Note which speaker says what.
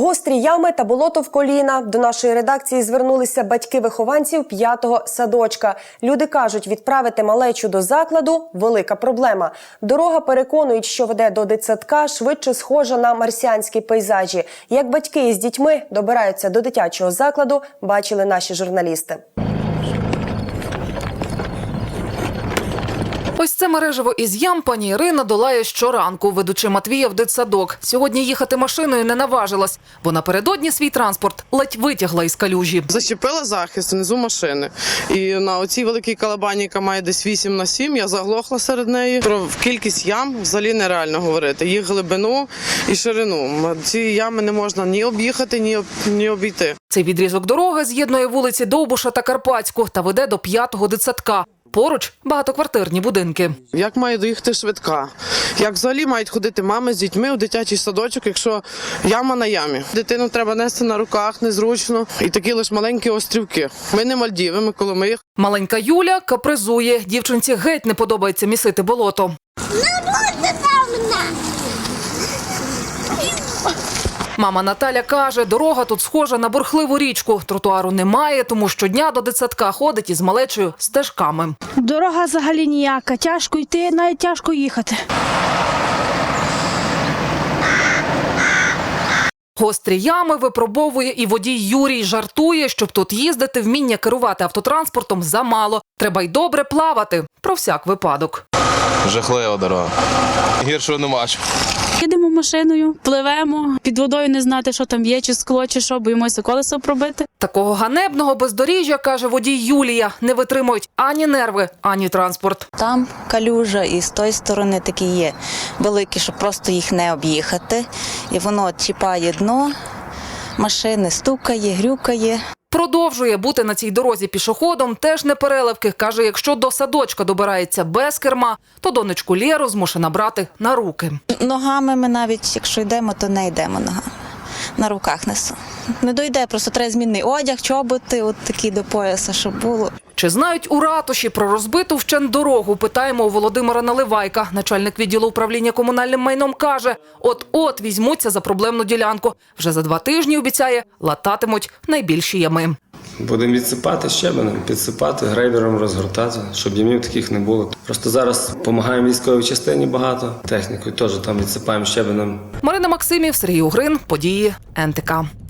Speaker 1: Гострі ями та болото в коліна. До нашої редакції звернулися батьки вихованців 5-го садочка. Люди кажуть, відправити малечу до закладу – велика проблема. Дорога, переконують, що веде до дитсадка, швидше схожа на марсіанські пейзажі. Як батьки із дітьми добираються до дитячого закладу, бачили наші журналісти.
Speaker 2: Ось це мережево із ям пані Ірина долає щоранку, ведучи Матвія в дитсадок. Сьогодні їхати машиною не наважилась, бо напередодні свій транспорт ледь витягла із калюжі.
Speaker 3: Зачепила захист внизу машини. І на оцій великій калабані, яка має десь 8х7, я заглохла серед неї. Про кількість ям взагалі нереально говорити. Їх глибину і ширину. Ці ями не можна ні об'їхати, ні обійти.
Speaker 2: Цей відрізок дороги з'єднує вулиці Довбуша та Карпатську та веде до 5-го дитсадка. Поруч багатоквартирні будинки.
Speaker 3: Як має доїхати швидка? Як взагалі мають ходити мами з дітьми у дитячий садочок, якщо яма на ямі? Дитину треба нести на руках, незручно. І такі лише маленькі острівки. Ми не Мальдіви, ми Коломиї.
Speaker 2: Маленька Юля капризує. Дівчинці геть не подобається місити болото. Мама Наталя каже, дорога тут схожа на бурхливу річку. Тротуару немає, тому щодня до дитсадка ходить із малечою стежками.
Speaker 4: Дорога взагалі ніяка. Тяжко йти, навіть тяжко їхати.
Speaker 2: Гострі ями випробовує і водій Юрій. Жартує, щоб тут їздити, вміння керувати автотранспортом замало. Треба й добре плавати. Про всяк випадок.
Speaker 5: Жахлива дорога. Гіршого не бачу.
Speaker 4: Їдемо машиною, пливемо, під водою не знати, що там є, чи скло, чи що, боїмося колесо пробити.
Speaker 2: Такого ганебного бездоріжжя, каже водій Юлія, не витримують ані нерви, ані транспорт.
Speaker 6: Там калюжа і з тої сторони такі є великі, щоб просто їх не об'їхати. І воно чіпає дно, машини стукає, грюкає.
Speaker 2: Продовжує бути на цій дорозі пішоходом, теж не переливки. Каже, якщо до садочка добирається без керма, то донечку Лєру змушена брати на руки.
Speaker 6: Ногами ми навіть, якщо йдемо, то не йдемо ногами. На руках несу. Не дойде, просто треба змінний одяг, чоботи, от такі до пояса, щоб було.
Speaker 2: Чи знають у ратуші про розбиту вщент дорогу? Питаємо у Володимира Наливайка. Начальник відділу управління комунальним майном каже, от-от візьмуться за проблемну ділянку. Вже за 2 тижні, обіцяє, лататимуть найбільші ями.
Speaker 7: Будемо відсипати щебенем, підсипати, грейдером розгортати, щоб ямів таких не було. Просто зараз допомагаємо військовій частині багато, технікою теж там відсипаємо щебенем.
Speaker 2: Марина Максимів, Сергій Угрин, події НТК.